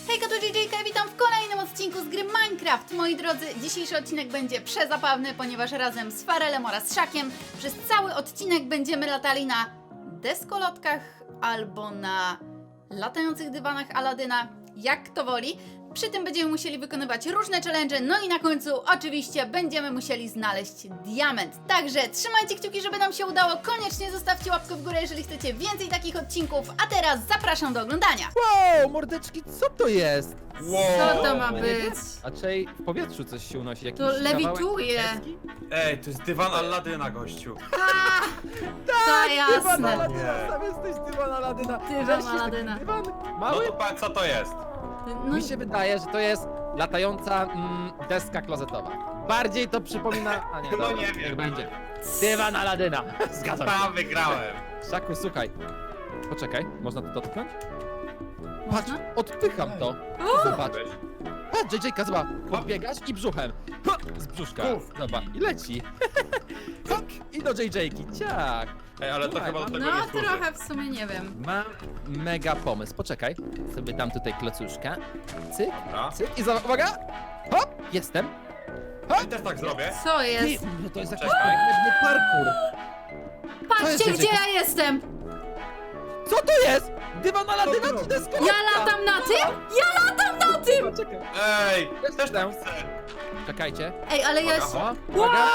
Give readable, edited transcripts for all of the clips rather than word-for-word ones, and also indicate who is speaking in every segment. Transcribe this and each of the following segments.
Speaker 1: Hejka, to JJK, witam w kolejnym odcinku z gry Minecraft. Moi drodzy, dzisiejszy odcinek będzie przezabawny, ponieważ razem z Farelem oraz Szakiem przez cały odcinek będziemy latali na deskolotkach albo na latających dywanach Aladyna, jak kto woli. Przy tym będziemy musieli wykonywać różne challenge, no i na końcu oczywiście będziemy musieli znaleźć diament. Także trzymajcie kciuki, żeby nam się udało. Koniecznie zostawcie łapkę w górę, jeżeli chcecie więcej takich odcinków. A teraz zapraszam do oglądania.
Speaker 2: Wow, mordeczki, co to jest?
Speaker 1: Co to ma być?
Speaker 2: A czej w powietrzu coś się unosi? Jakiś
Speaker 1: To lewituje.
Speaker 2: kawałek deski?
Speaker 3: Ej, to jest dywan Aladyna, gościu.
Speaker 1: To
Speaker 2: Dywan
Speaker 1: jasne.
Speaker 2: Aladyna, sam jesteś dywan Aladyna.
Speaker 1: Dywan
Speaker 2: Weź się
Speaker 1: Aladyna.
Speaker 2: taki Dywan
Speaker 3: No
Speaker 2: mały?
Speaker 3: to patrz, co to jest?
Speaker 1: No,
Speaker 2: Mi się wydaje, że to jest latająca deska klozetowa. Bardziej to przypomina... A nie,
Speaker 3: No
Speaker 2: dobra,
Speaker 3: nie wiem.
Speaker 2: niech będzie. Dywan Aladyna. Zgadzam się.
Speaker 3: Tam wygrałem.
Speaker 2: Szaku, słuchaj. Poczekaj, można to dotknąć? Patrz,
Speaker 1: Można?
Speaker 2: odpycham to. Zobacz. Patrz, JJ-ka, zobacz. Podbiegasz i brzuchem. Ha, z brzuszka. Zobacz, i leci. Hop, i do JJ-ki, ciak.
Speaker 3: Ej, ale to
Speaker 2: Słuchaj,
Speaker 3: chyba do tego
Speaker 1: no
Speaker 3: nie służy.
Speaker 1: trochę w sumie nie wiem.
Speaker 2: Mam mega pomysł. Poczekaj. Sobie dam tutaj klocuszka. Cyk,
Speaker 3: Dobra.
Speaker 2: cyk i zobacz, uwaga. Hop, jestem.
Speaker 3: I też tak zrobię.
Speaker 1: Co
Speaker 2: Ty,
Speaker 1: jest?
Speaker 2: no to jest jakiś
Speaker 3: Czekaj.
Speaker 2: pewny parkour.
Speaker 1: Patrzcie,
Speaker 2: jest,
Speaker 1: gdzie
Speaker 2: JJ?
Speaker 1: ja jestem!
Speaker 2: Co to jest? Dywan Aladyna czy deskolotka?
Speaker 1: Ja latam na tym? Ja latam na tym!
Speaker 2: Poczekaj.
Speaker 3: Ej, też
Speaker 2: Jestem.
Speaker 3: tak chcę.
Speaker 2: Czekajcie.
Speaker 1: Ej, ale ja się...
Speaker 3: Uwaga.
Speaker 2: O,
Speaker 1: Wow,
Speaker 2: uwaga.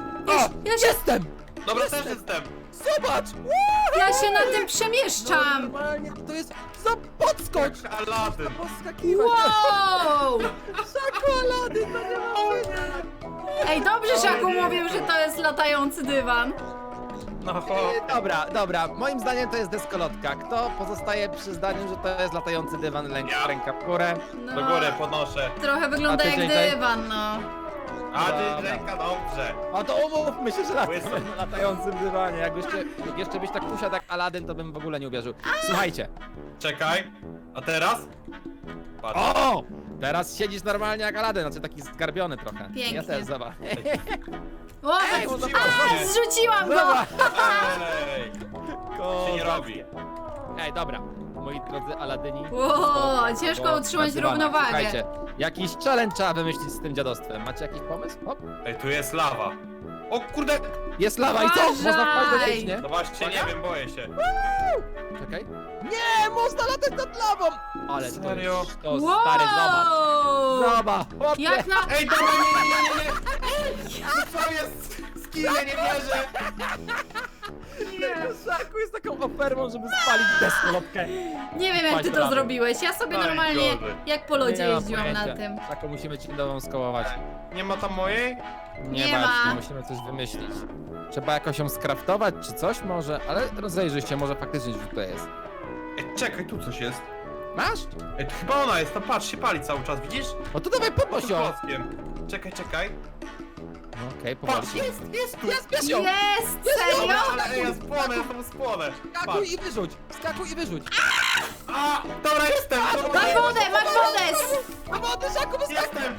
Speaker 1: ja się...
Speaker 2: Jestem!
Speaker 3: Dobra, też jestem.
Speaker 2: Zobacz!
Speaker 1: Ja się na tym przemieszczam!
Speaker 2: Normalnie to jest za podskocz!
Speaker 3: Aladyn.
Speaker 2: Poskakiwać!
Speaker 1: Wow!
Speaker 2: Czekolady, to nie ma.
Speaker 1: Ej, dobrze Szaku mówił, że to jest latający dywan.
Speaker 3: No,
Speaker 2: Dobra, moim zdaniem to jest deskolotka. Kto pozostaje przy zdaniu, że to jest latający dywan,
Speaker 3: Ja.
Speaker 2: ręka w górę?
Speaker 1: No,
Speaker 3: do góry podnoszę.
Speaker 1: trochę wygląda
Speaker 2: A ty,
Speaker 1: jak
Speaker 2: JJ?
Speaker 1: dywan, no.
Speaker 3: A
Speaker 2: Dobra.
Speaker 3: ty ręka, dobrze.
Speaker 2: A to umówmy się, że
Speaker 3: Łysy.
Speaker 2: na latającym dywanie. Jak jeszcze byś tak usiadł jak Aladyn, to bym w ogóle nie uwierzył. Słuchajcie.
Speaker 3: Czekaj. A teraz? Patrz.
Speaker 2: O! Teraz siedzisz normalnie jak Aladyn, znaczy taki zgarbiony trochę.
Speaker 1: Pięknie.
Speaker 2: Ja też, zobacz.
Speaker 1: O,
Speaker 3: Ej,
Speaker 1: a,
Speaker 3: zrzuciłaś
Speaker 1: zrzuciłam go!
Speaker 2: Zobacz.
Speaker 3: Ej, się nie robi.
Speaker 2: Ej, dobra. Moi drodzy Aladyni.
Speaker 1: O, ciężko
Speaker 2: bo
Speaker 1: utrzymać
Speaker 2: na dywanach.
Speaker 1: równowagę.
Speaker 2: Słuchajcie, jakiś challenge trzeba wymyślić z tym dziadostwem. Macie jakiś pomysł? Hop.
Speaker 3: Ej, tu jest lawa. O kurde.
Speaker 2: Jest lawa i co?
Speaker 1: Uważaj.
Speaker 2: Można wpaść do niej, nie?
Speaker 3: No właśnie, nie wiem, boję się.
Speaker 2: Czekaj. Nie, można latać nad lawą! Ale to
Speaker 3: Serio?
Speaker 2: jest, to stary, zobacz.
Speaker 1: Wow!
Speaker 2: Zobacz, chłopie.
Speaker 1: Jak na...
Speaker 3: Ej, dobra, nie. No co jest? Skill, ja nie wierzę.
Speaker 2: Szaku jest taką ofermą, żeby spalić deskolotkę.
Speaker 1: Nie wiem jak
Speaker 2: Paść
Speaker 1: ty to
Speaker 2: prawie.
Speaker 1: zrobiłeś, ja sobie
Speaker 3: Oj,
Speaker 1: normalnie
Speaker 3: gorzej.
Speaker 1: jak po lodzie
Speaker 2: Nie mam
Speaker 1: jeździłam na
Speaker 2: pojęcia.
Speaker 1: tym.
Speaker 2: Szaku, musimy ci nową skołować.
Speaker 3: Nie ma tam mojej?
Speaker 1: Nie
Speaker 2: Nie
Speaker 1: ma.
Speaker 2: ma. Musimy coś wymyślić. Trzeba jakoś ją skraftować czy coś może, ale rozejrzyj się, może faktycznie gdzieś tutaj jest.
Speaker 3: Ej, czekaj, tu coś jest.
Speaker 2: Masz?
Speaker 3: Ej, to chyba ona jest, tam patrz, się pali cały czas, widzisz?
Speaker 2: No to dawaj podnoś ją.
Speaker 3: Klockiem. Czekaj.
Speaker 2: No, okej, powoli.
Speaker 3: Patrz, jest tu.
Speaker 2: Jest, bierz ją!
Speaker 1: Jest! Serio?
Speaker 3: Dobra, ale ej, ja spłonę, ja tam spłonę.
Speaker 2: Skakuj
Speaker 3: Patrz.
Speaker 2: i wyrzuć! Skakuj i wyrzuć!
Speaker 3: A, dobra, jestem! Dobra,
Speaker 1: Masz wodę, masz wodę!
Speaker 2: A wody, Szaku, wyskakuj!
Speaker 3: Jestem!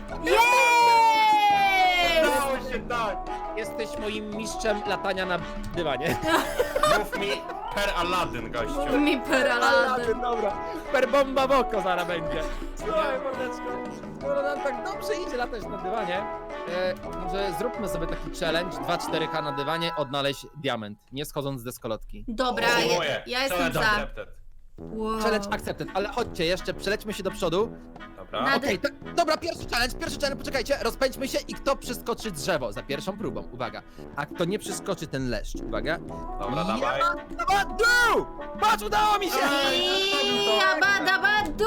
Speaker 1: Jest!
Speaker 3: Udało się, tak!
Speaker 2: Jesteś moim mistrzem latania na dywanie.
Speaker 3: Mów mi per Aladdin, gościu.
Speaker 1: Mi peralady.
Speaker 2: Dobra. Per bomba w oko zaraz będzie. Słuchaj, mordeczko, skoro nam tak dobrze idzie latać na dywanie, może zróbmy sobie taki challenge 2-4K na dywanie, odnaleźć diament, nie schodząc z deskolotki.
Speaker 1: Dobra, ja jestem
Speaker 3: Challenge
Speaker 1: za.
Speaker 3: accepted.
Speaker 1: Wow.
Speaker 2: Challenge accepted, ale chodźcie jeszcze, przelećmy się do przodu.
Speaker 3: Dobra.
Speaker 1: Na-
Speaker 2: Okej, dobra, pierwszy challenge, poczekajcie, rozpędźmy się i kto przeskoczy drzewo za pierwszą próbą, uwaga. A kto nie przeskoczy ten leszcz, uwaga.
Speaker 3: Dobra, dawaj.
Speaker 2: Dawaj, dół! Patrz, udało mi się!
Speaker 1: I abadabadu!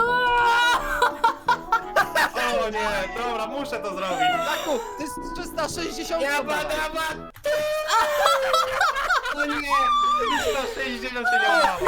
Speaker 3: O nie, dobra, muszę to zrobić.
Speaker 2: Taku, to jest 360
Speaker 3: Jabadaba! O nie! 160 się nie udało.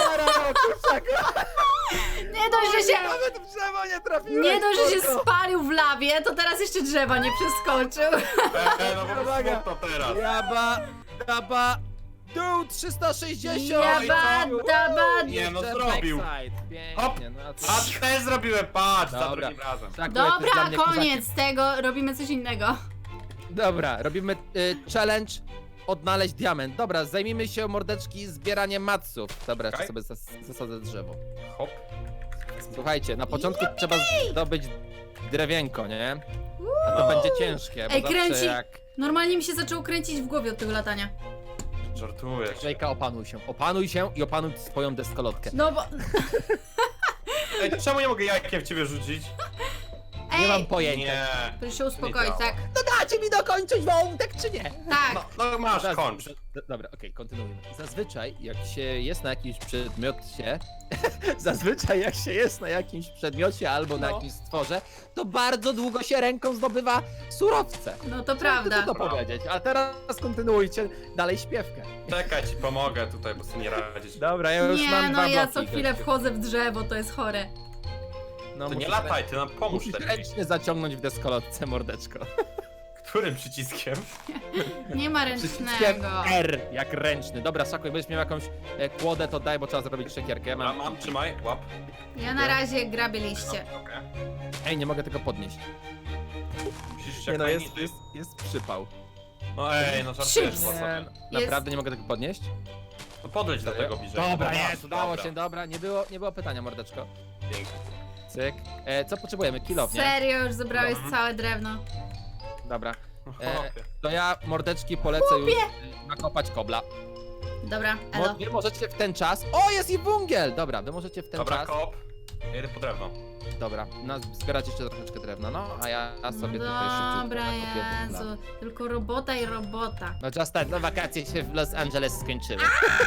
Speaker 1: Nie dość, że się...
Speaker 2: Nawet w drzewo nie trafiłeś!
Speaker 1: Nie dość, że się
Speaker 2: kurko.
Speaker 1: spalił w lawie, to teraz jeszcze drzewa nie przeskoczył.
Speaker 3: No bo
Speaker 2: Uwaga.
Speaker 3: smutno teraz.
Speaker 2: Daba, dół 360!
Speaker 1: Jabadabadu!
Speaker 3: Nie, no zrobił. Hop.
Speaker 2: Pięknie, no a co?
Speaker 3: A też zrobiłem, patrz, za
Speaker 2: Dobra.
Speaker 3: drugim razem.
Speaker 2: Tak, to jest dla
Speaker 1: Dobra,
Speaker 2: mnie
Speaker 1: koniec tego, robimy coś innego.
Speaker 2: kozaki. Dobra, robimy challenge odnaleźć diament. Dobra, zajmijmy się mordeczki zbieraniem matsów. Dobra,
Speaker 3: Okej.
Speaker 2: jeszcze sobie zasadzę drzewo.
Speaker 3: Hop.
Speaker 2: Słuchajcie, na początku trzeba zdobyć drewienko, nie? A to będzie ciężkie, bo
Speaker 1: Ej,
Speaker 2: zawsze
Speaker 1: kręci.
Speaker 2: jak...
Speaker 1: Normalnie mi się zaczęło kręcić w głowie od tego latania.
Speaker 3: Żartujesz.
Speaker 2: Żejka, opanuj się i opanuj swoją deskolotkę.
Speaker 1: No bo...
Speaker 3: Ej, czemu nie mogę jajkiem w ciebie rzucić?
Speaker 2: Nie mam
Speaker 1: Ej,
Speaker 2: pojęcia.
Speaker 3: Nie.
Speaker 1: proszę się uspokoić,
Speaker 3: Nie
Speaker 1: tak?
Speaker 2: No dacie mi dokończyć wątek, czy nie?
Speaker 1: Tak.
Speaker 3: No masz,
Speaker 2: Zaz-
Speaker 3: kończ.
Speaker 2: Dobra, okej, kontynuujmy. Zazwyczaj, jak się jest na jakimś przedmiocie, zazwyczaj jak się jest na jakimś przedmiocie albo na
Speaker 3: No.
Speaker 2: jakimś stworze, to bardzo długo się ręką zdobywa surowce.
Speaker 1: No to
Speaker 2: Chciałem
Speaker 1: prawda.
Speaker 2: tylko to powiedzieć, a teraz kontynuujcie dalej śpiewkę.
Speaker 3: Czekaj, ci pomogę tutaj, bo sobie nie radzisz.
Speaker 2: Dobra, ja już
Speaker 1: Nie,
Speaker 2: mam
Speaker 1: no
Speaker 2: dwa
Speaker 1: ja
Speaker 2: bloki,
Speaker 1: co chwilę
Speaker 2: gościu.
Speaker 1: wchodzę w drzewo, to jest chore.
Speaker 2: No,
Speaker 3: To nie
Speaker 2: musisz
Speaker 3: lataj, ty nam pomóż
Speaker 2: Musisz
Speaker 3: lepiej.
Speaker 2: ręcznie zaciągnąć w deskolotce, mordeczko.
Speaker 3: Którym przyciskiem?
Speaker 1: Nie ma
Speaker 2: Przyciskiem
Speaker 1: ręcznego.
Speaker 2: R, jak ręczny. Dobra, Szaku, jak będziesz miał jakąś kłodę, to daj, bo trzeba zrobić szekierkę.
Speaker 3: Mam, trzymaj, łap.
Speaker 1: Ja na razie grabię liście.
Speaker 3: Okej.
Speaker 2: Ej, nie mogę tego podnieść.
Speaker 3: Musisz
Speaker 2: Nie
Speaker 3: jak
Speaker 2: no,
Speaker 3: najniżej.
Speaker 2: jest przypał.
Speaker 3: No ej, no żartujesz
Speaker 1: Chips.
Speaker 3: chyba
Speaker 2: Nie,
Speaker 3: sobie.
Speaker 2: naprawdę nie mogę tego podnieść?
Speaker 3: No podejdź do tego bliżej.
Speaker 2: Dobra,
Speaker 3: No,
Speaker 2: jest, udało
Speaker 3: dobra.
Speaker 2: się, dobra, nie było pytania, mordeczko.
Speaker 3: Pięknie.
Speaker 2: Cyk. Co potrzebujemy? Kilof, nie?
Speaker 1: Serio, już zebrałeś
Speaker 3: Mhm.
Speaker 1: całe drewno.
Speaker 2: Dobra.
Speaker 3: Chłopie.
Speaker 2: To ja, mordeczki, polecę już nakopać kobla.
Speaker 1: Dobra, elo.
Speaker 2: Wy możecie w ten czas... O, jest i wungiel! Dobra, wy możecie w ten
Speaker 3: Dobra,
Speaker 2: czas...
Speaker 3: kop. Ja idę po drewno.
Speaker 2: Dobra, zbierać jeszcze troszeczkę drewna, no, a ja sobie tutaj szybciej
Speaker 1: Dobra,
Speaker 2: nakopię węgla.
Speaker 1: Jezu. Tylko robota i robota.
Speaker 2: No just tak, no wakacje się w Los Angeles skończyły.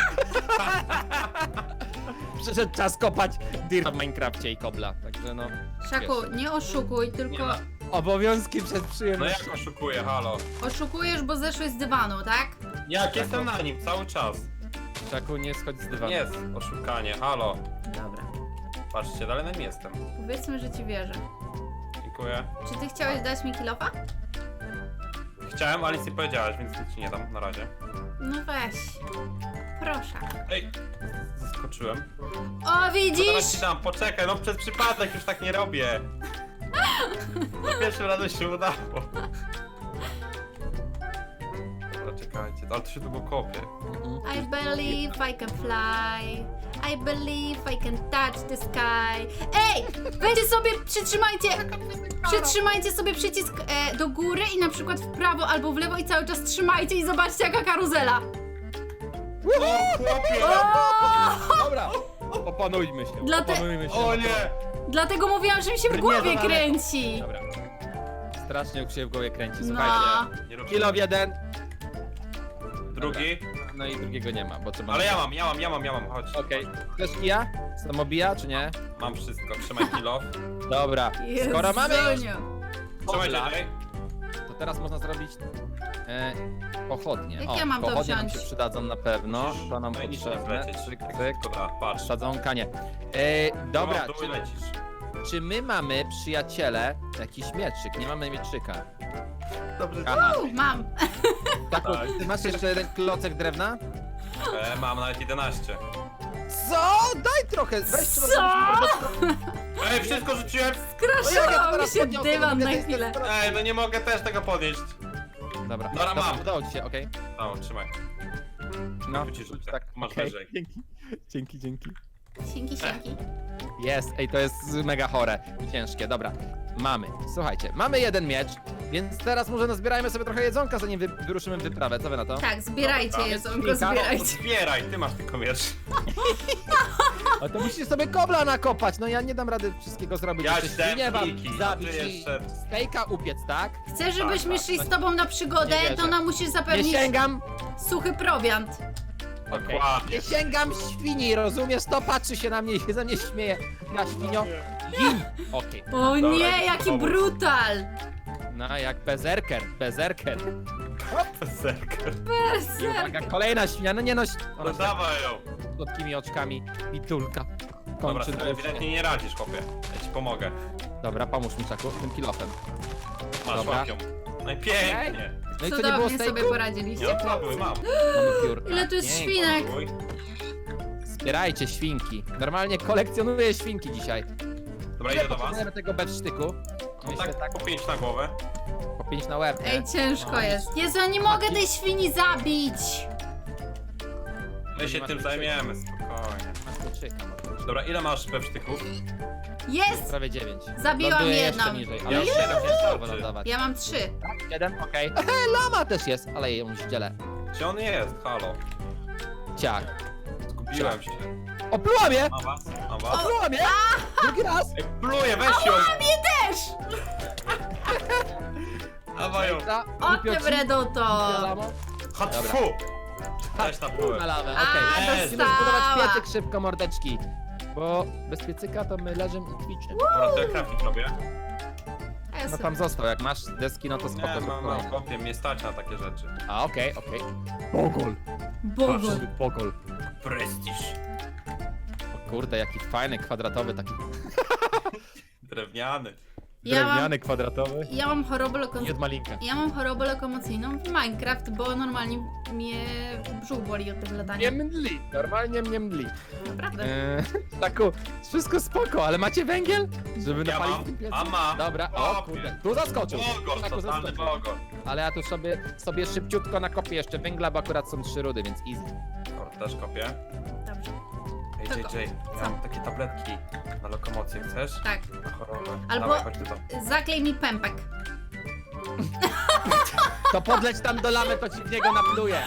Speaker 2: Przyszedł czas kopać dirt w Minecrafcie i kobla, także no...
Speaker 1: Szaku, nie oszukuj, tylko
Speaker 3: Nie
Speaker 2: Obowiązki przed
Speaker 3: No
Speaker 2: przyjemnością.
Speaker 3: jak oszukuję, halo?
Speaker 1: oszukujesz, bo zeszłeś z dywanu, tak?
Speaker 3: Jak jestem na nim cały czas.
Speaker 2: Szaku, nie schodź z dywanu.
Speaker 3: Jest oszukanie, halo.
Speaker 1: Dobra.
Speaker 3: Patrzcie, dalej na nim jestem.
Speaker 1: Powiedzmy, że ci wierzę.
Speaker 3: Dziękuję.
Speaker 1: Czy ty chciałeś dać mi kilofa?
Speaker 3: Chciałem, ale nic nie powiedziałaś, więc nic ci nie dam na razie.
Speaker 1: No weź. Proszę.
Speaker 3: Ej, zaskoczyłem.
Speaker 1: O,
Speaker 3: No teraz
Speaker 1: widzisz?
Speaker 3: ci dam, poczekaj, no przez przypadek już tak nie robię. Za pierwszym razem się udało. Dobra, czekajcie, ale to się długo kopie.
Speaker 1: I believe I can fly. I believe I can touch the sky. Ej! Weźcie sobie, przytrzymajcie sobie przycisk do góry i na przykład w prawo albo w lewo i cały czas trzymajcie i zobaczcie jaka karuzela.
Speaker 3: O, chłopie!
Speaker 1: O!
Speaker 2: Dobra, opanujmy się, opanujmy się.
Speaker 3: O nie!
Speaker 1: Dlatego mówiłam, że mi się w
Speaker 2: Nie,
Speaker 1: głowie
Speaker 2: dobra.
Speaker 1: kręci.
Speaker 2: Dobra. Strasznie jak się w głowie kręci,
Speaker 1: No.
Speaker 2: słuchajcie.
Speaker 3: Nie rób
Speaker 2: Kilof jeden,
Speaker 3: Drugi?
Speaker 2: no i drugiego nie ma, bo trzeba...
Speaker 3: Ale ja mam, chodź.
Speaker 2: Okej, chcesz kija? Samobija, czy nie?
Speaker 3: Mam wszystko, trzymaj kilo.
Speaker 2: Dobra, skoro mamy już
Speaker 1: Jezuniu.
Speaker 3: Trzymaj
Speaker 2: Kobla,
Speaker 3: dalej.
Speaker 2: to teraz można zrobić pochodnie.
Speaker 1: Jak ja mam to
Speaker 2: pochodnie nam
Speaker 1: wziąć?
Speaker 2: się przydadzą na pewno, to nam
Speaker 3: No i nic
Speaker 2: potrzebne.
Speaker 3: lecieć.
Speaker 2: Cyk, cyk.
Speaker 3: Dobra, patrz.
Speaker 2: Sadzonka nie. Dobra,
Speaker 3: Tu lecisz.
Speaker 2: czy my mamy, przyjaciele, jakiś mieczyk? Nie mamy mieczyka.
Speaker 3: Dobrze.
Speaker 2: Aha,
Speaker 1: Mam.
Speaker 2: tak,
Speaker 3: Tak.
Speaker 2: ty masz jeszcze jeden klocek drewna?
Speaker 3: Mam nawet 11.
Speaker 2: Co? Daj trochę, weź
Speaker 1: Co?
Speaker 3: Ej, wszystko rzuciłem!
Speaker 1: Skraszował mi się dywan na
Speaker 2: chwilę.
Speaker 1: chwilę.
Speaker 3: Ej, no nie mogę też tego podnieść.
Speaker 2: Dobra,
Speaker 3: Dobra, mam.
Speaker 2: udało ci się, okej.
Speaker 3: O, trzymaj.
Speaker 2: No,
Speaker 3: Tu ci rzucę.
Speaker 2: tak,
Speaker 3: Masz
Speaker 2: okej.
Speaker 3: wyżej.
Speaker 2: Dzięki.
Speaker 1: Sienki.
Speaker 2: Jest, ej, to jest mega chore i ciężkie, dobra. Mamy, słuchajcie, mamy jeden miecz, więc teraz może nazbierajmy sobie trochę jedzonka, zanim wyruszymy w wyprawę, co wy na to?
Speaker 1: Tak, zbierajcie
Speaker 3: Dobra,
Speaker 1: jedzonko,
Speaker 2: jest kilka.
Speaker 3: No,
Speaker 1: zbierajcie.
Speaker 3: zbieraj, ty masz tylko miecz.
Speaker 2: A to musisz sobie kobla nakopać, no ja nie dam rady wszystkiego zrobić.
Speaker 3: Ja
Speaker 2: Jeszcze
Speaker 3: ci dałem
Speaker 2: świnię wam
Speaker 3: wilki, a
Speaker 2: zabić
Speaker 3: ty
Speaker 2: i
Speaker 3: jeszcze-
Speaker 2: stejka upiec, tak?
Speaker 1: Chcę, żebyśmy
Speaker 3: Tak,
Speaker 1: szli
Speaker 2: tak.
Speaker 1: z tobą na przygodę,
Speaker 2: Nie wierzę.
Speaker 1: to nam musisz
Speaker 2: Nie
Speaker 1: zapewnić
Speaker 2: sięgam,
Speaker 1: suchy prowiant.
Speaker 3: Dokładnie.
Speaker 2: nie sięgam świni, rozumiesz? To patrzy się na mnie i się ze mnie śmieje. Ja świnio, gin! Okej,
Speaker 1: O
Speaker 3: Dobra,
Speaker 1: nie, jaki
Speaker 3: pomóc.
Speaker 1: brutal!
Speaker 2: no jak bezerker.
Speaker 3: Zerker.
Speaker 2: I uwaga, kolejna świnia, no nie no,
Speaker 3: No
Speaker 2: ona z
Speaker 3: dawaj ją.
Speaker 2: słodkimi oczkami, pitulka.
Speaker 3: Dobra,
Speaker 2: Kończy
Speaker 3: ty
Speaker 2: drewno.
Speaker 3: ewidentnie nie radzisz, chłopie. Ja ci pomogę.
Speaker 2: Dobra, pomóż mi, Czaku, tym kilofem.
Speaker 3: Masz,
Speaker 2: Dobra.
Speaker 3: łap ją. No i pięknie.
Speaker 2: No i co, nie było
Speaker 1: Cudownie sobie
Speaker 2: stejku?
Speaker 1: poradziliście.
Speaker 3: Nie odpadły, mam.
Speaker 2: Mamy piórka.
Speaker 1: Ile tu jest
Speaker 2: Pięknie.
Speaker 1: świnek?
Speaker 3: Uj.
Speaker 2: Zbierajcie świnki. Normalnie kolekcjonuję świnki dzisiaj.
Speaker 3: Dobra, idę do was.
Speaker 2: Potrzebujemy tego bewsztyku.
Speaker 3: No
Speaker 2: Myślę
Speaker 3: tak, po 5 na głowę.
Speaker 2: po 5 na łeb, nie?
Speaker 1: Ej, ciężko
Speaker 2: No.
Speaker 1: jest. Jezu, ja nie mogę tej świni zabić!
Speaker 3: My się tym zajmiemy, spokojnie.
Speaker 2: Masz kluczyka, może.
Speaker 3: Dobra, ile masz pewsztyków?
Speaker 1: Jest!
Speaker 2: Prawie 9.
Speaker 1: Zabiłam
Speaker 2: Ląduję
Speaker 1: jedną.
Speaker 2: jeszcze niżej,
Speaker 3: Ja
Speaker 2: ale
Speaker 3: już
Speaker 2: jeszcze
Speaker 3: siedem,
Speaker 2: trzeba
Speaker 3: wystarczy.
Speaker 2: wylądować.
Speaker 1: Ja mam 3.
Speaker 2: 7, okej. Lama też jest, ale ją ździelę.
Speaker 3: Gdzie on jest? Halo.
Speaker 2: Ciach.
Speaker 3: Zgubiłem się.
Speaker 2: Opluła mnie!
Speaker 3: Mam was? Mam was?
Speaker 2: Opluła mnie! Drugi raz!
Speaker 3: Ej, pluję, weź ją!
Speaker 1: Mnie też!
Speaker 3: Dawaj ją.
Speaker 2: Za-
Speaker 1: O
Speaker 2: głupio
Speaker 1: ty
Speaker 2: ci.
Speaker 1: wreduto!
Speaker 2: Lamo.
Speaker 3: Chodź,
Speaker 2: Dobra.
Speaker 3: fu! Weź na
Speaker 2: Na
Speaker 3: plułę.
Speaker 2: lawę,
Speaker 1: A,
Speaker 2: okej.
Speaker 3: dostała.
Speaker 2: Musimy zbudować piecyk szybko, mordeczki. Bo bez piecyka to my leżymy i kwiczymy.
Speaker 3: Dobra, to ja crafting robię.
Speaker 1: A ja
Speaker 2: No
Speaker 1: sobie-
Speaker 2: tam został, jak masz deski, no to spoko.
Speaker 3: Nie,
Speaker 2: zrób
Speaker 3: mam,
Speaker 2: kolejne.
Speaker 3: kopię, mnie stać na takie rzeczy.
Speaker 2: A, okej. Bogol.
Speaker 1: Boże.
Speaker 2: Bogol.
Speaker 3: Prestiż.
Speaker 2: O kurde, jaki fajny, kwadratowy, taki
Speaker 3: Drewniany.
Speaker 1: Ja mam,
Speaker 2: drewniany, kwadratowy.
Speaker 1: ja mam chorobę
Speaker 2: I
Speaker 1: lokomocyjną.
Speaker 2: od malinka.
Speaker 1: Ja mam chorobę lokomocyjną w Minecraft, bo normalnie mnie brzuch boli od tego latania.
Speaker 2: Nie mdli, normalnie mnie mdli.
Speaker 1: Naprawdę.
Speaker 2: Taku, wszystko spoko, ale macie węgiel? Żeby
Speaker 3: Ja
Speaker 2: napalić
Speaker 3: mam,
Speaker 2: tym piecem?
Speaker 3: a mam.
Speaker 2: Dobra, o kurde, tu zaskoczył.
Speaker 3: Bogor,
Speaker 2: Taku
Speaker 3: totalny
Speaker 2: zaskoczył.
Speaker 3: bogor.
Speaker 2: Ale ja tu sobie szybciutko nakopię jeszcze węgla, bo akurat są 3 rudy, więc easy.
Speaker 3: Dobra, też kopię.
Speaker 1: Dobrze.
Speaker 3: Ej,
Speaker 1: To
Speaker 3: JJ,
Speaker 1: co?
Speaker 3: ja mam takie tabletki na lokomocję, chcesz?
Speaker 1: Tak.
Speaker 3: Na chorobę.
Speaker 1: Albo-
Speaker 3: Dawaj, chodź tu tam.
Speaker 1: Zaklej mi pępek.
Speaker 2: To podleć tam do lamy, to ci w niego napluję.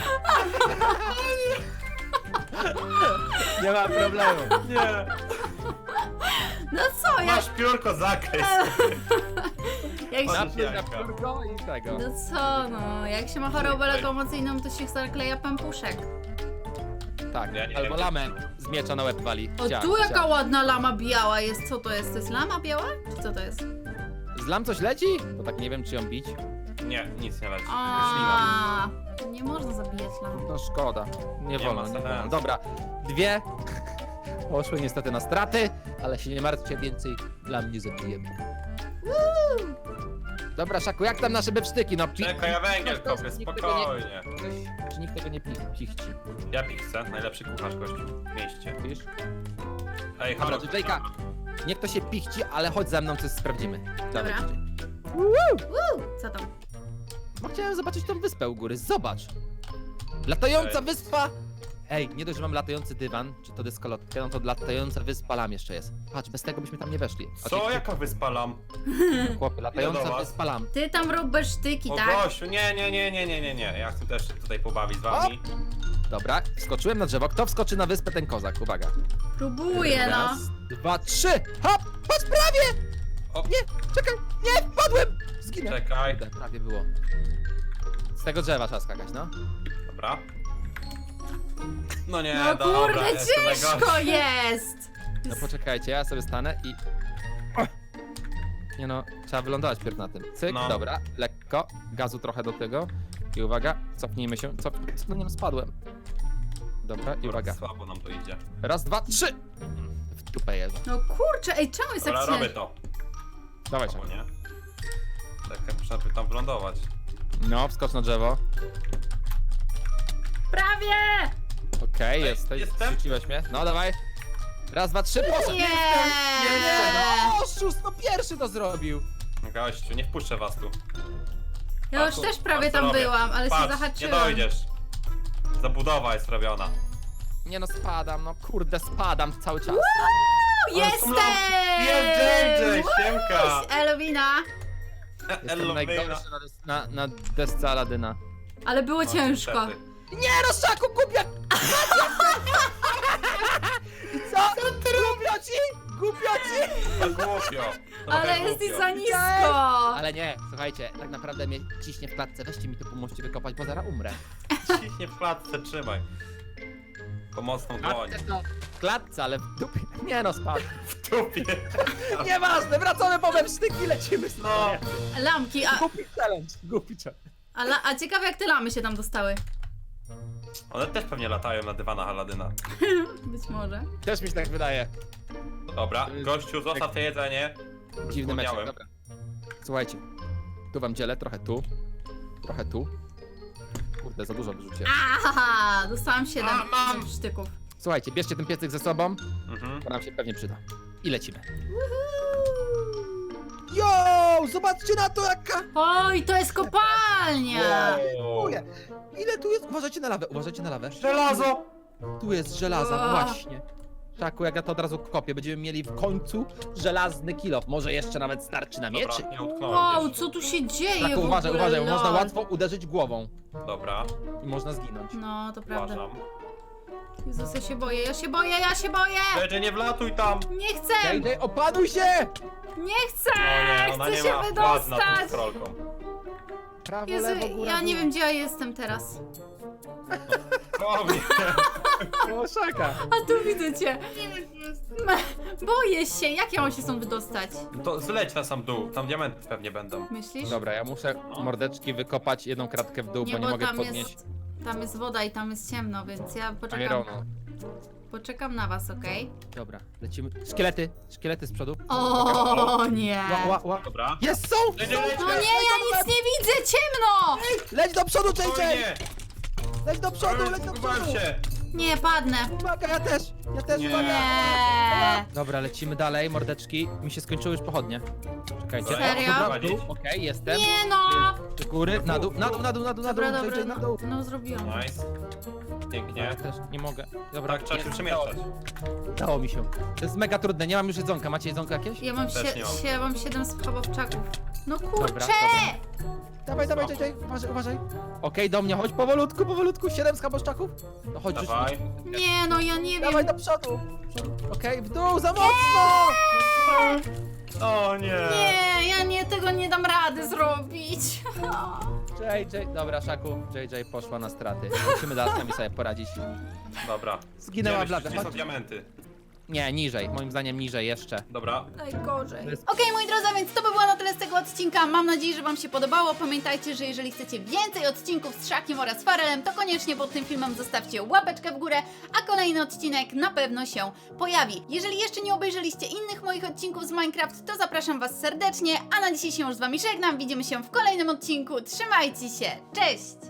Speaker 2: Nie ma problemu.
Speaker 3: Nie.
Speaker 1: No co, ja...
Speaker 3: Masz piórko, zaklej.
Speaker 1: Jak się...
Speaker 2: Napluj na
Speaker 3: jajka.
Speaker 2: piórko i tego.
Speaker 1: No co, no, jak się ma chorobę
Speaker 3: Ej.
Speaker 1: lokomocyjną, to się zakleja pępuszek.
Speaker 2: Tak,
Speaker 3: Ja nie
Speaker 2: albo
Speaker 3: wiem.
Speaker 2: lamę z miecza na łeb wali.
Speaker 1: O,
Speaker 2: Ciach,
Speaker 1: tu jaka
Speaker 2: ciach.
Speaker 1: ładna lama biała jest. Co to jest? To jest lama biała? Czy co to jest?
Speaker 2: Z lam coś leci? Bo tak nie wiem, czy ją bić.
Speaker 3: Nie, nic nie leci. Ślina.
Speaker 1: A, nie można zabijać lam.
Speaker 2: No szkoda. Nie
Speaker 3: Nie
Speaker 2: wolno,
Speaker 3: ma
Speaker 2: nie wolno.
Speaker 3: sensu.
Speaker 2: Dobra, 2 poszły niestety na straty, ale się nie martwcie, więcej lam nie zabijemy. Dobra, Szaku, jak tam nasze bepsztyki? No,
Speaker 3: Czekaj, ja węgiel
Speaker 2: Ktoś-
Speaker 3: kopię,
Speaker 2: nikt tego nie-
Speaker 3: spokojnie.
Speaker 2: Czy nikt tego nie pichci?
Speaker 3: Ja pichcę, najlepszy kucharz gościu w mieście.
Speaker 2: Wiesz?
Speaker 3: Ej,
Speaker 2: Dobra,
Speaker 3: halo.
Speaker 2: JJ-ka, niech to się pichci, ale chodź za mną, coś sprawdzimy. Dawaj,
Speaker 1: Dobra.
Speaker 2: JJ.
Speaker 1: Co tam?
Speaker 2: Bo chciałem zobaczyć tą wyspę u góry, zobacz! Latająca
Speaker 3: Ej.
Speaker 2: wyspa! Ej, nie dość, że mam latający dywan, czy to dyskolotkę, no to latająca wyspa lam jeszcze jest. Patrz, bez tego byśmy tam nie weszli.
Speaker 3: Co? Jaka wyspalam?
Speaker 2: Chłopie,
Speaker 3: do
Speaker 2: latająca
Speaker 3: was?
Speaker 2: wyspa lam.
Speaker 1: Ty tam rób besztyki,
Speaker 3: O
Speaker 1: tak?
Speaker 3: gościu, nie. Ja chcę też się tutaj pobawić z wami.
Speaker 2: Dobra, wskoczyłem na drzewo. Kto wskoczy na wyspę, ten kozak, uwaga.
Speaker 1: Próbuję, no.
Speaker 2: Raz, 2, 3, hop! Patrz, prawie!
Speaker 3: O,
Speaker 2: Czekaj, nie, wpadłem! Zginę.
Speaker 3: czekaj.
Speaker 2: Kurde, prawie było. Z tego drzewa trzeba skakać, no.
Speaker 3: Dobra. No nie,
Speaker 1: No
Speaker 3: dobra,
Speaker 1: kurde,
Speaker 3: jestem
Speaker 1: ciężko
Speaker 3: najgorszy.
Speaker 1: jest!
Speaker 2: No poczekajcie, ja sobie stanę i... O! Nie no, trzeba wylądować pierw na tym. Cyk,
Speaker 3: No.
Speaker 2: dobra, lekko, gazu trochę do tego. I uwaga, cofnijmy się, no nie spadłem. Dobra, i
Speaker 3: Dobra,
Speaker 2: uwaga.
Speaker 3: słabo nam to idzie.
Speaker 2: Raz, 2, 3! W dupę jeżdżę.
Speaker 1: No kurczę, ej, czemu jest tak
Speaker 3: Dobra, robię
Speaker 1: ciężko?
Speaker 3: to.
Speaker 2: Dawaj,
Speaker 3: Albo
Speaker 2: Szak.
Speaker 3: nie. Tak, muszę najpierw tam wylądować.
Speaker 2: No, wskocz na drzewo.
Speaker 1: Prawie!
Speaker 2: Okej,
Speaker 3: Ej,
Speaker 2: jesteś,
Speaker 3: jestem?
Speaker 2: zrzuciłeś mnie. No, dawaj. Raz, 2, 3, poszedł!
Speaker 1: Nie!
Speaker 2: Nie, no, oszust, no pierwszy to zrobił.
Speaker 3: Gościu, nie wpuszczę was tu.
Speaker 1: Ja już
Speaker 3: Patrz,
Speaker 1: też prawie
Speaker 3: patrz, co
Speaker 1: tam
Speaker 3: robię.
Speaker 1: byłam, ale się
Speaker 3: Patrz, nie
Speaker 1: zahaczyłam.
Speaker 3: dojdziesz. Zabudowa jest robiona.
Speaker 2: Nie no, spadam, no kurde, spadam cały czas.
Speaker 1: Jestem!
Speaker 3: Jest JJ, siemka!
Speaker 1: Elowina!
Speaker 2: Jestem
Speaker 3: Ellowina.
Speaker 2: najgorszy na desce Aladyna.
Speaker 1: Ale było
Speaker 3: No,
Speaker 1: ciężko.
Speaker 3: niestety.
Speaker 2: Nie no, Szaku, głupia! I co? Głupio ci? Głupio ci?
Speaker 3: To głupio.
Speaker 1: Ale
Speaker 3: Trochę
Speaker 1: jesteś
Speaker 3: głupio.
Speaker 1: za nisko!
Speaker 2: Ale nie, słuchajcie, tak naprawdę mnie ciśnie w klatce. Weźcie mi to, pomóżcie wykopać, bo zaraz umrę.
Speaker 3: Ciśnie w klatce, trzymaj. Pomocną dłoń.
Speaker 2: W klatce, ale w dupie. Nie no, spadł.
Speaker 3: W dupie.
Speaker 2: Nieważne, wracamy po sztyki, lecimy z
Speaker 3: No.
Speaker 1: Lampki, a,
Speaker 2: Głupi challenge, głupi challenge.
Speaker 1: a ciekawe jak te lamy się tam dostały.
Speaker 3: One też pewnie latają na dywanach Aladyna.
Speaker 1: Być może.
Speaker 2: Też mi się tak wydaje.
Speaker 3: Dobra, gościu, zostaw te jedzenie.
Speaker 2: Dziwny meczek,
Speaker 3: Zapomniałem.
Speaker 2: dobra. Słuchajcie, tu wam dzielę, trochę tu. Trochę tu. Kurde, za dużo wyrzuciłem.
Speaker 1: Aha, dostałam 7
Speaker 3: A, mam.
Speaker 1: sztyków.
Speaker 2: Słuchajcie, bierzcie ten piecyk ze sobą,
Speaker 3: Mhm.
Speaker 2: bo nam się pewnie przyda. I lecimy.
Speaker 1: Woohoo!
Speaker 2: Yo, zobaczcie na to jaka...
Speaker 1: Oj, to jest kopalnia!
Speaker 2: Ile tu jest? Uważajcie na lawę, uważajcie na lawę.
Speaker 3: Żelazo!
Speaker 2: Tu jest żelaza,
Speaker 1: O.
Speaker 2: właśnie. Szaku, jak ja to od razu kopię, będziemy mieli w końcu żelazny kilof. Może jeszcze nawet starczy na mieczy.
Speaker 3: Dobra, nie utknąłem
Speaker 1: Wow,
Speaker 3: gdzieś.
Speaker 1: co tu się dzieje
Speaker 2: Szaku,
Speaker 1: w
Speaker 2: uważaj,
Speaker 1: ogóle,
Speaker 2: uważaj, bo można
Speaker 1: lol.
Speaker 2: łatwo uderzyć głową
Speaker 3: Dobra,
Speaker 2: i można zginąć.
Speaker 1: No, to prawda.
Speaker 3: uważam.
Speaker 1: Jezus, ja się boję, ja się boję, ja się boję!
Speaker 3: JJ, nie wlatuj tam!
Speaker 1: Nie chcę!
Speaker 2: JJ, opanuj się!
Speaker 1: Nie chcę!
Speaker 3: O nie, ona
Speaker 1: Chcę
Speaker 3: nie
Speaker 1: się
Speaker 3: ma władzy nad tą
Speaker 1: wydostać!
Speaker 3: scrollką.
Speaker 2: Prawo,
Speaker 1: Jezu,
Speaker 2: lewo, góra,
Speaker 1: ja nie
Speaker 2: dół.
Speaker 1: wiem, gdzie ja jestem teraz.
Speaker 3: O nie!
Speaker 2: O, Szaka.
Speaker 1: A tu widzę cię. Boję się, jak ja mam się stąd wydostać?
Speaker 3: To zleć na sam dół, tam diamenty pewnie będą.
Speaker 1: Myślisz?
Speaker 2: Dobra, ja muszę mordeczki wykopać jedną kratkę w dół, bo nie mogę
Speaker 1: tam
Speaker 2: podnieść
Speaker 1: tam jest woda i tam jest ciemno, więc ja
Speaker 2: Ironu.
Speaker 1: poczekam na was, okej?
Speaker 2: Dobra, lecimy. Szkielety z przodu.
Speaker 1: O nie!
Speaker 2: Ła.
Speaker 3: Dobra.
Speaker 2: Jest, są!
Speaker 3: JJ,
Speaker 2: są!
Speaker 3: leć,
Speaker 1: No
Speaker 3: leć!
Speaker 1: nie, ja nic nie widzę, ciemno!
Speaker 2: Leć do przodu,
Speaker 3: O
Speaker 2: JJ!
Speaker 3: nie!
Speaker 2: Leć do przodu, leć do
Speaker 3: Zgubiłem
Speaker 2: przodu!
Speaker 3: się!
Speaker 1: Nie, padnę.
Speaker 2: Uwaga, ja też,
Speaker 3: Nie.
Speaker 2: uwaga!
Speaker 1: Nie.
Speaker 2: Dobra, lecimy dalej, mordeczki. Mi się skończyły już pochodnie. Czekajcie.
Speaker 1: Serio?
Speaker 2: Dobra, w dół. Okej, jestem.
Speaker 1: Nie no!
Speaker 2: Do góry, na dół,
Speaker 1: Dobra,
Speaker 2: JJ, na dół.
Speaker 1: no zrobiłam.
Speaker 3: Nice. Pięknie.
Speaker 2: Ja też nie mogę. Dobra,
Speaker 3: Tak, trzeba się
Speaker 2: jest,
Speaker 3: przemieszczać.
Speaker 2: Dało mi się. To jest mega trudne, nie mam już jedzonka. Macie jedzonko jakieś?
Speaker 1: Ja mam,
Speaker 3: Też nie mam.
Speaker 1: mam 7 schabowczaków. No kurczę!
Speaker 2: Dobra. Dawaj, JJ, uważaj. Okej, do mnie, chodź powolutku, 7 schaboszczaków. No chodź, już.
Speaker 3: Dawaj.
Speaker 1: Nie no, ja nie wiem.
Speaker 2: Dawaj do przodu. Okej, w dół, za mocno!
Speaker 3: O nie!
Speaker 1: Nie, tego nie dam rady zrobić.
Speaker 2: JJ, dobra, Szaku, JJ poszła na straty. Musimy teraz sami sobie poradzić.
Speaker 3: Dobra.
Speaker 2: Zginęła
Speaker 3: Gdzie
Speaker 2: blada,
Speaker 3: myślisz, gdzie są
Speaker 2: chodź.
Speaker 3: diamenty?
Speaker 2: Nie, niżej, moim zdaniem niżej jeszcze.
Speaker 3: Dobra.
Speaker 1: Najgorzej.
Speaker 2: To jest-
Speaker 1: Okej, moi drodzy, więc to by było na tyle z tego odcinka. Mam nadzieję, że wam się podobało. Pamiętajcie, że jeżeli chcecie więcej odcinków z Szakiem oraz Farelem, to koniecznie pod tym filmem zostawcie łapeczkę w górę, a kolejny odcinek na pewno się pojawi. Jeżeli jeszcze nie obejrzeliście innych moich odcinków z Minecraft, to zapraszam was serdecznie, a na dzisiaj się już z wami żegnam. Widzimy się w kolejnym odcinku. Trzymajcie się, cześć!